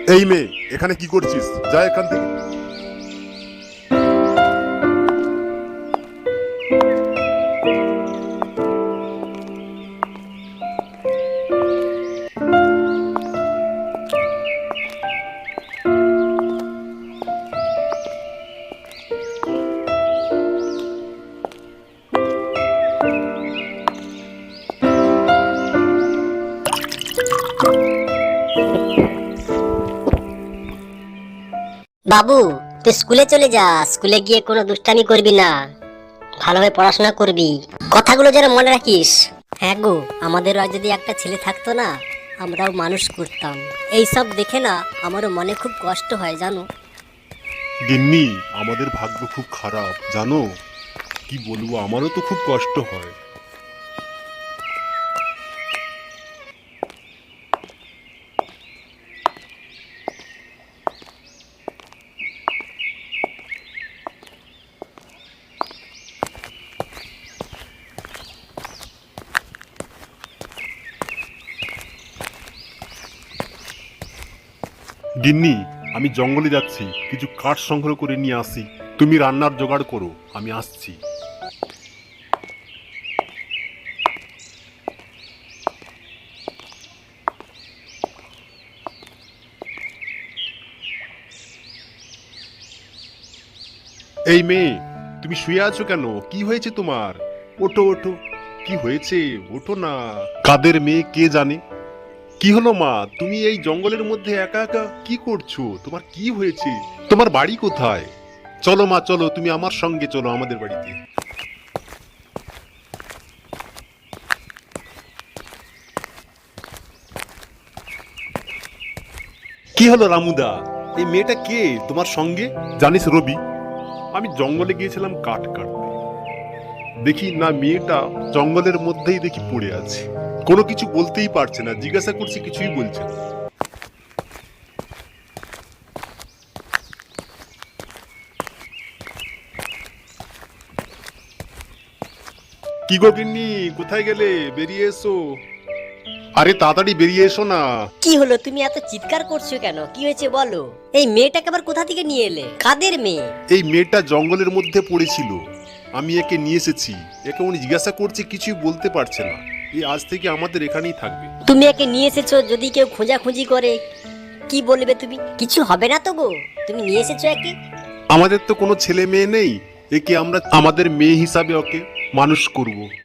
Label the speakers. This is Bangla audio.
Speaker 1: এই মেয়ে, এখানে কি করছিস? যা এখান থেকে।
Speaker 2: বাবু, তুই স্কুলে চলে যা। স্কুলে গিয়ে কোনো দুষ্টামি করবি না, ভালোভাবে পড়াশোনা করবি। কথাগুলো যেন মনে রাখিস। হ্যাঁ গো, আমাদেরও আজ যদি একটা ছেলে থাকতো না, আমরাও মানুষ করতাম। এই সব দেখে না আমারও মনে খুব কষ্ট হয় জানো।
Speaker 1: গিন্নি, আমাদের ভাগ্য খুব খারাপ জানো। কি বলবো, আমারও তো খুব কষ্ট হয়। গিন্নি, আমি জঙ্গলে যাচ্ছি, কিছু কাঠ সংগ্রহ করে নিয়ে আসি। তুমি রান্নার জোগাড় করো, আমি আসছি। এই মেয়ে, তুমি শুয়ে আছো কেন? কি হয়েছে তোমার? ওঠো ওঠো। কি হয়েছে? ওঠো না। কাদের মেয়ে কে জানে। কি হলো মা, তুমি এই জঙ্গলের মধ্যে একা একা কি করছো? তোমার কি হয়েছে? তোমার বাড়ি কোথায়? চলো মা, চলো, তুমি আমার সঙ্গে চলো আমাদের বাড়িতে। কি হলো রামুদা, এই মেয়েটা কে তোমার সঙ্গে? জানিস রবি, আমি জঙ্গলে গিয়েছিলাম কাঠ কাটতে। দেখি না মেয়েটা জঙ্গলের মধ্যেই দেখি পড়ে আছে। কোনো কিছু বলতেই পারছে না, জিজ্ঞাসা করছি কিছুই বলছে না। কি গো গিন্নি, কোথায় গেলে? বেরিয়ে এসো। আরে তাড়াতাড়ি বেরিয়ে এসো না।
Speaker 2: কি হলো, তুমি এত চিৎকার করছো কেন? কি হয়েছে বলো। এই মেয়েটাকে আবার কোথা থেকে নিয়ে এলে? কাদের মেয়ে?
Speaker 1: এই মেয়েটা জঙ্গলের মধ্যে পড়েছিল, আমি একে নিয়ে এসেছি। একে উনি জিজ্ঞাসা করছে, কিছুই বলতে পারছে না। এই আজ থেকে আমাদের এখানেই থাকবে।
Speaker 2: তুমি একে নিয়ে এসেছো, যদি কেউ খোঁজাখুঁজি করে কি বলবে তুমি? কিছু হবে না তো গো, তুমি নিয়ে এসেছো একে।
Speaker 1: আমাদের তো কোনো ছেলে মেয়ে নেই, একে আমরা আমাদের মেয়ে হিসাবে ওকে মানুষ করব।